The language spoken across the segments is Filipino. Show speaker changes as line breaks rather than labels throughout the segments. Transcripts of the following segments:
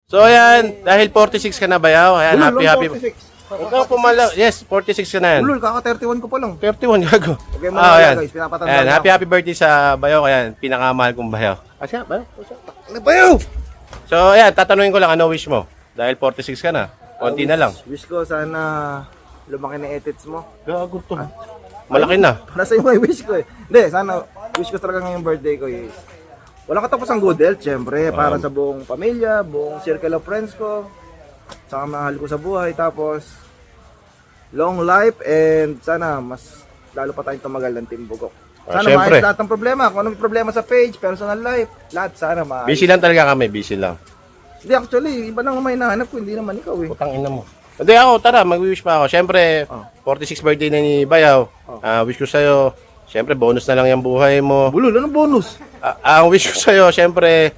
So ayan, dahil 46 ka na bayaw, ayan,
Ulol,
happy.
46.
Ikaw pumala, yes, 46 ka na yan.
Ulol, kaka 31 ko pa lang.
31, gago.
Okay, mga
Ayan.
guys, pinapatanda
Ayan,
na
happy birthday sa bayaw, ayan, pinakamahal kong bayaw. Asya, bayaw?
Ano ba yun?
So ayan, tatanungin ko lang, ano wish mo? Dahil 46 ka na, konti na lang.
Wish ko sana lumaki na edits mo.
Gago to. Malaki na.
Nasa yung may wish ko eh. Hindi, sana wish ko talaga ngayong birthday ko is walang katapos ang good health, syempre, para sa buong pamilya, buong circle of friends ko, saka mahal ko sa buhay, tapos long life, and sana mas lalo pa tayong tumagal ng Team Bugok. Sana
syempre.
maayos lahat ng problema, kung anong problema sa page, personal life, lahat sana maayos.
Busy lang talaga kami, busy lang.
Hindi, actually, iba nang may nahanap ko, hindi naman ikaw eh.
Putang ina mo. Hindi ako, tara, mag-wish pa ako. Syempre, 46 birthday na ni Bayaw. Wish ko sa'yo, syempre, bonus na lang yung buhay mo.
Bulol, anong bonus?
Ang wish ko sa'yo, syempre,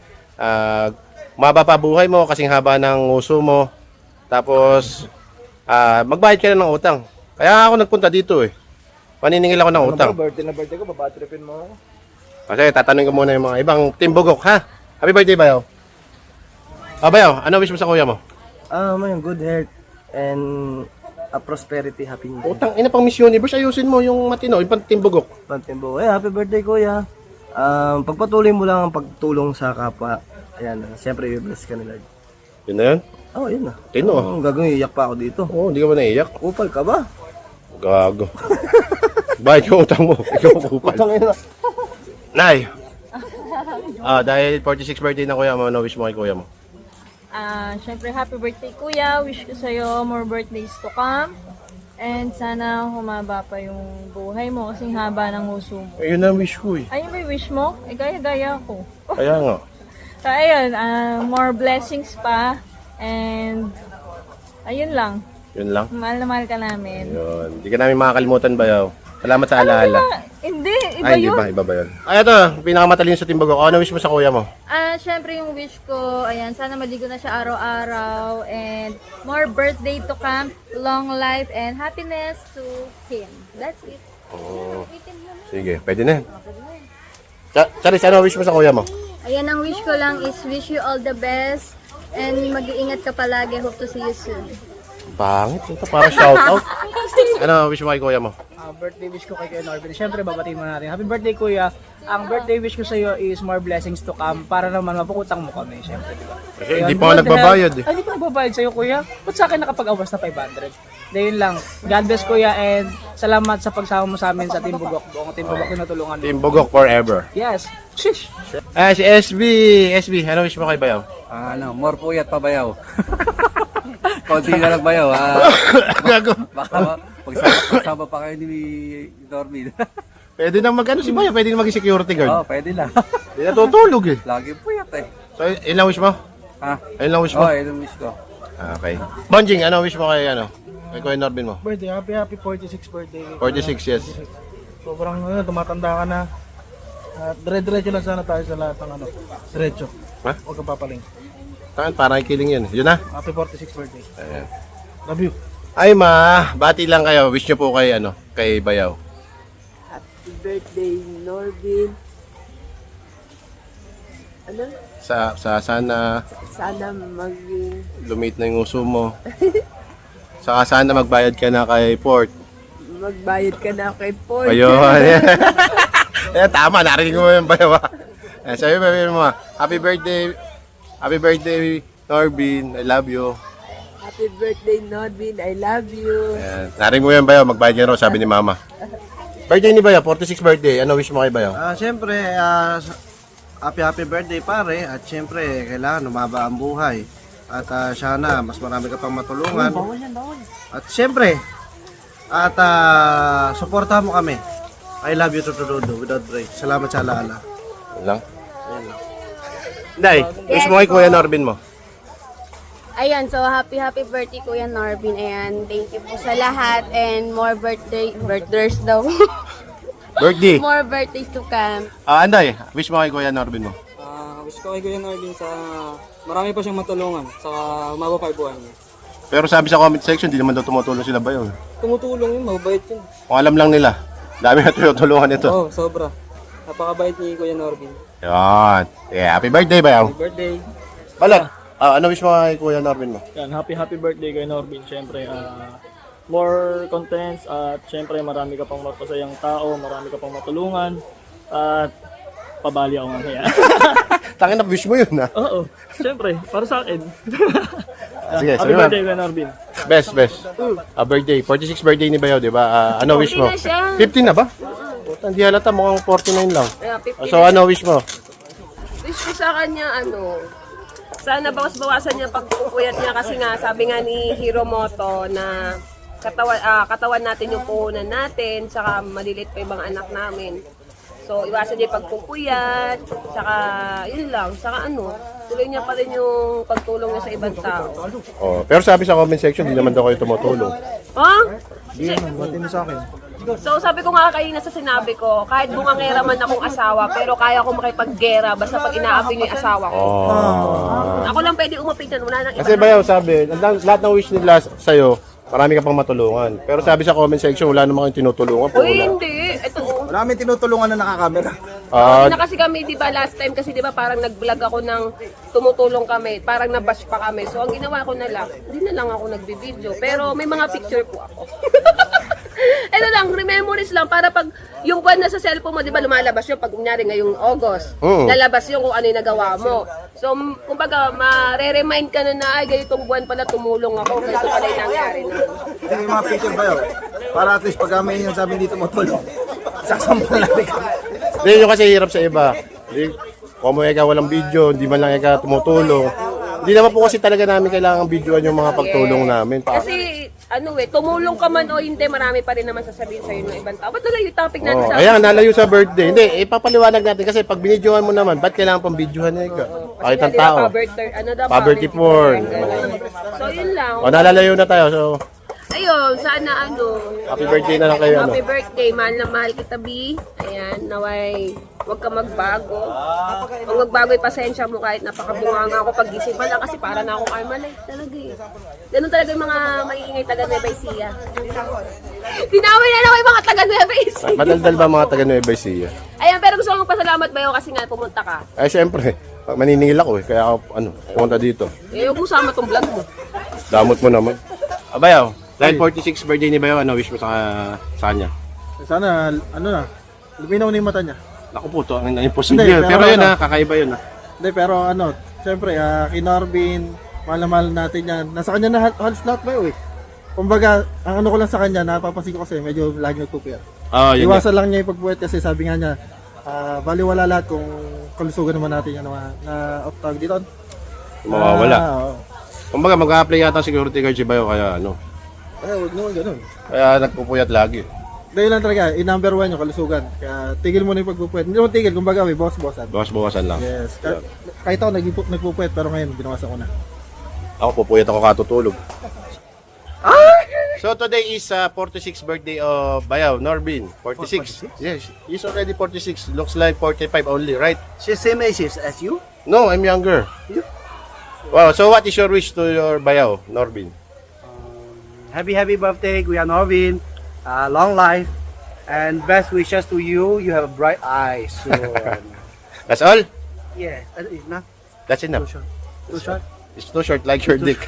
maba pa buhay mo, kasing haba ng uso mo. Tapos, magbayad ka na ng utang. Kaya ako nagpunta dito eh. Paniningil ako ng utang.
Ano ba, birthday ko, babatripin mo ako.
Kasi tatanungin ko muna yung mga ibang Team Bugok, ha? Happy birthday, Bayaw. Bayaw, ano wish mo sa kuya mo?
May good health and a prosperity, happy new year.
Utang ina pang Miss Universe, ayusin mo yung matino, yung pang Team Bugok.
Pantimbo. Happy birthday kuya. Pagpatuloy mo lang ang pagtulong sa kapwa. Ayan, siyempre i-bless ka nila.
Yun na yun?
Yun na.
Tino.
Gagawin, iyak pa ako dito.
Oo, hindi ka ba naiiyak?
Upal ka ba?
Gago. Bayad yung utang mo. Ikaw kupal.
Tangina.
Nay. Dahil 46 birthday na kuya mo, ano wish mo kay kuya mo?
Syempre, happy birthday kuya. Wish ko sa'yo more birthdays to come. And sana humaba pa yung buhay mo kasing haba ng uso mo.
Ayun na wish ko eh.
Ayun ba yung wish mo? Eh, gaya-gaya ko.
Kaya nga.
So, ayun, more blessings pa. And, ayun lang.
Yun lang.
Mahal na mahal ka namin.
Yun. Hindi ka namin makakalimutan Bayaw. Salamat sa alaala.
Hindi, iba
Ay,
yun.
iba ba yun? Ay, ito, pinakamatalino sa Team Bugok. Ano wish mo sa kuya mo?
Syempre yung wish ko, ayan, sana maligo na siya araw-araw and more birthday to come, long life and happiness to him. That's it.
Oo. Sige, pwede na. Charis, ano wish mo sa kuya mo?
Ayan, ang wish ko lang is wish you all the best and mag-iingat ka palagi. Hope to see you soon.
Pangit. Ito para shoutout. Ano wish mo kay kuya mo?
Birthday wish ko kay Kuya Norbin. Siyempre, babatiin mo natin. Happy birthday, Kuya. Ang birthday wish ko sa iyo is more blessings to come para naman mapukutang mo kami. Siyempre, di ba?
Kasi hindi pa ako nagbabayad eh.
Ay, hindi pa nagbabayad sa iyo, Kuya. Ba't sa akin nakapag-awas na 500? Dahil lang. God bless, Kuya, and salamat sa pagsama mo sa amin sa Team Bugok. Buong Team Bugok na natulungan mo.
Team Bugok forever.
Yes. Shish!
Si SB. SB, ano wish mo kay Bayaw?
More puyat pa bayaw. Konti na lang bayaw.
Gago.
Baka pagsama pa kayo ni Normin.
Pwede nang mag-ano si Bayaw, pwede nang mag-security guard.
Pwede lang.
Hindi natutulog eh.
Lagi puyat eh.
So, yun lang wish mo?
Ha?
Ayun lang wish mo?
Yun ang wish ko.
Okay. Bonjing, ano wish mo kay kay Kuya Norbin mo?
Birthday, happy 46 birthday.
46, yes.
Sobrang tumatanda ka na. Dire-diretso lang sana tayo sa lahat ng diretso.
Ha?
Huwag kang papaling.
Tangan, parang kiling yun. Yun na.
Happy 46 birthday.
Ayan.
Love you.
Ay ma, bati lang kayo. Wish nyo po kay kay Bayaw.
Happy birthday, Norbin. Ano?
Sana
Sana maging
lumit na yung uso mo. Saka sana magbayad ka na kay Port.
magbayad ka na kay Paul.
Ayun. Tama, narinig mo yung Bayaw. Sabi mo, happy birthday, Norbin. I love you.
Happy birthday, Norbin. I love you.
Ayan. Narinig mo yung Bayaw, magbayad ka raw, sabi ni Mama. Birthday ni Bayaw, 46 birthday. Ano wish mo kay Bayaw?
Siyempre, happy birthday pare. At siyempre, kailangan umaba ang buhay. At sana, mas marami ka pang matulungan. At siyempre, suportahan mo kami. I love you to without break. Salamat sa alaala.
Yun lang. Day, wish mo kay Kuya Norbin mo.
Ayan, so happy birthday Kuya Norbin. Ayan, thank you po sa lahat and more birthdays daw.
Birthday.
More birthdays to come.
Anday, wish mo kay Kuya Norbin mo.
Wish ko kay Kuya Norbin sa marami pa siyang matulungan sa umaba pa yung buhay niya.
Pero sabi sa comment section, di naman daw tumutulong sila Bayaw.
Tumutulong yun, mabait yun.
Kung alam lang nila, dami na tutulungan ito.
Oo, sobra. Napakabait ni Kuya Norbin.
Yan. Yeah, happy birthday Bayaw.
Happy birthday.
Balot, Ano wish mo kay Kuya Norbin mo?
Yan, happy birthday kay Norbin. Siyempre, more contents at siyempre marami ka pang mapasayang tao, marami ka pang matulungan at pabali ako nga kaya.
Tangin na wish mo yun ha.
Oo, siyempre, para sa akin.
Sige,
Happy
sabi mo.
birthday kay Norbin.
Best. Birthday. 46 birthday ni Bayaw, di ba? Ano wish mo?
40 na siya.
15 na ba? Puta, hindi halata. Mukhang 49 lang.
Kaya 50
So, ano wish mo?
Wish ko sa kanya, sana bawas-bawasan niya pagpupuyat niya kasi nga, sabi nga ni Hiromoto na katawan natin yung puhunan natin, saka malilit pa ibang anak namin. So, iwasan niya yung pagpupuyat, saka yun lang, saka tuloy niya pa rin yung pagtulong niya sa ibang tao.
Oh, pero sabi sa comment section, di naman daw kayo tumutulong.
Ha?
Buti mo sa akin.
So sabi ko nga kanina sa sinabi ko, kahit bungangera man akong asawa, pero kaya ko makipaggera basta pag inaapi niyo yung asawa ko. Ako lang pwede umapitan, wala nang iba.
Kasi Bayaw, sabi, lahat ng wish nila sa'yo, marami ka pang matulungan. Pero sabi sa comment section, wala naman kayong tinutulungan.
Uy, hindi. Ito,
Wala kami tinutulungan na nakakamera.
Ah,
na kasi kami, di ba, last time kasi di ba parang nag-vlog ako ng tumutulong kami, parang nabash pa kami. So ang ginawa ko na lang, hindi na lang ako nagbi-video. Pero may mga picture po ako. Ito lang, memories lang para pag yung buwan na sa cellphone mo, di ba lumalabas yun pag kunyari ngayong August. Lalabas yung kung ano yung nagawa mo. So, kumbaga, mare-remind ka na ay, ganitong buwan pala tumulong ako. Ganito pala yung nangyari na.
Ito yung mga picture ba yun? Para at least pag may yung sabi dito matulong. Sasampan natin kami.
Hindi, yung kasi hirap sa iba. Hindi, kung mo ikaw walang video, hindi man lang ikaw tumutulong. Hindi naman po kasi talaga namin kailangan videoan yung mga pagtulong namin.
Kasi, tumulong ka man o hindi, marami pa rin naman sasabihin sa'yo ng ibang tao. Ba't nalayo yung topic natin sa...
Ayan, nalayo sa birthday. Hindi, ipapaliwanag natin kasi pag binidyohan mo naman, ba't kailangan pang videohan na ikaw? Kahit ang tao. Poverty porn.
So, yun lang.
O, nalalayo na tayo. So,
Ayun, sana
happy birthday na lang kayo.
happy birthday, mahal na mahal kita, B. Ayan, naway, huwag ka magbago. Pag magbago, pasensya mo kahit napakabunganga ako pagising pa lang kasi para na akong Carmelite talaga eh. Ganun talaga yung mga maiingay taga Nueva Ecija. Tinaway na lang yung mga taga Nueva Ecija.
Madaldal ba mga taga Nueva Ecija?
Ayan, pero gusto ko magpasalamat ba yun kasi nga pumunta ka.
Ay, syempre. Maniningil ako eh. Kaya ako, pumunta dito.
Eh, huwag mo sama tong vlog mo.
Damot mo naman. Bayaw, dahil 46 birthday ni Bayaw, ano wish mo sa kanya?
Sana, luminaw na yung mata niya.
Naku po, to ang imposible.
Hindi,
Pero yun
pero
kakaiba yun
Hindi, pero siyempre, kay Norbin, mahal natin yan. Nasa kanya na halos lahat ba yun eh. Kumbaga, ang ko lang sa kanya, napapansin ko kasi medyo lagi nagpupuyat.
Yun.
Iwasan lang niya yung pagpupuyat kasi sabi nga niya, baliwala lahat kung kalusugan naman natin yan na off-tag dito.
Mawawala.
Oo.
Kumbaga, mag-a-apply yata security guard si Bayaw, kaya
Huwag naman ganun.
Kaya nagpupuyat lagi.
Dahil lang talaga, number one yung kalusugan. Kaya tigil mo na yung pagpupuyat. Hindi naman tigil, kumbaga may boss-bossan.
Bawas-bawasan lang.
Yes. Kahit ako nagpupuyat, pero ngayon, binawasan ko na.
Ako, pupuyat ako katutulog. So today is 46th birthday of Bayaw, Norbin. 46? Yes, he's already 46. Looks like 45 only, right?
She's same age as you?
No, I'm younger. Wow, so what is your wish to your Bayaw, Norbin?
Happy birthday, Kuya Norbin. Long life. And best wishes to you. You have bright eyes soon.
That's all?
Yes, it's not
That's enough.
too short.
It's too short like your dick.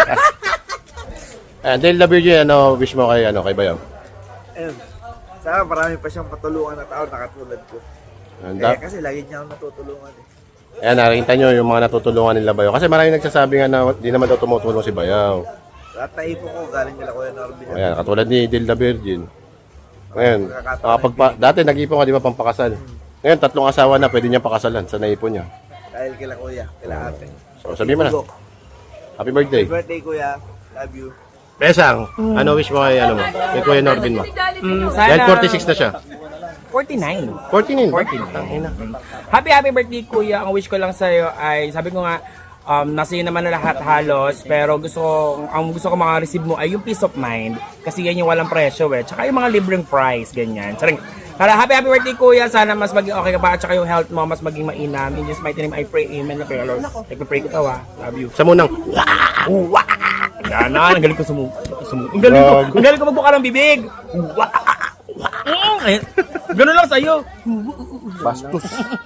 And then the Virgin, wish mo kay Bayaw?
Ayun. Sana marami pa siyang patulungan na tao na katulad ko.
And
Kasi lagi niya ako natutulungan eh.
ayan, nakikita nyo yung mga natutulungan nila Bayaw. Kasi marami nagsasabi nga na di naman daw tumutulong si Bayaw.
Lahat na ipo ko, galing nila Kuya Norbin.
Ayan, katulad ni Dilda Virgin. Ngayon, dati nag-ipon ka, di ba, pampakasal. Ngayon, 3 asawa na, pwede niya pakasalan sa naipon niya.
Dahil kila Kuya, kila ate.
So, sabihin mo na. Happy birthday.
Happy birthday Kuya. Love you.
Pesang, ano wish mo kay, kay Kuya Norbin mo? Dahil 46 na siya.
49.
49?
49. Happy birthday, Kuya. Ang wish ko lang sa'yo ay, sabi ko nga, nasa iyo naman na lahat halos, pero ang gusto ko maka-receive mo ay yung peace of mind. Kasi yan yung walang presyo eh. Tsaka yung mga libreng price, ganyan. Charing. Para happy birthday, Kuya. Sana mas maging okay ka pa. At saka yung health mo, mas maging mainam. In Jesus mighty name, I pray. Amen. Okay, Lord. Nagpipray ko tawa. Love you.
Sa munang.
Yan na, ang galing ko ang galing ko magbuka ng bibig. Ganun lang sa'yo.
Bastos.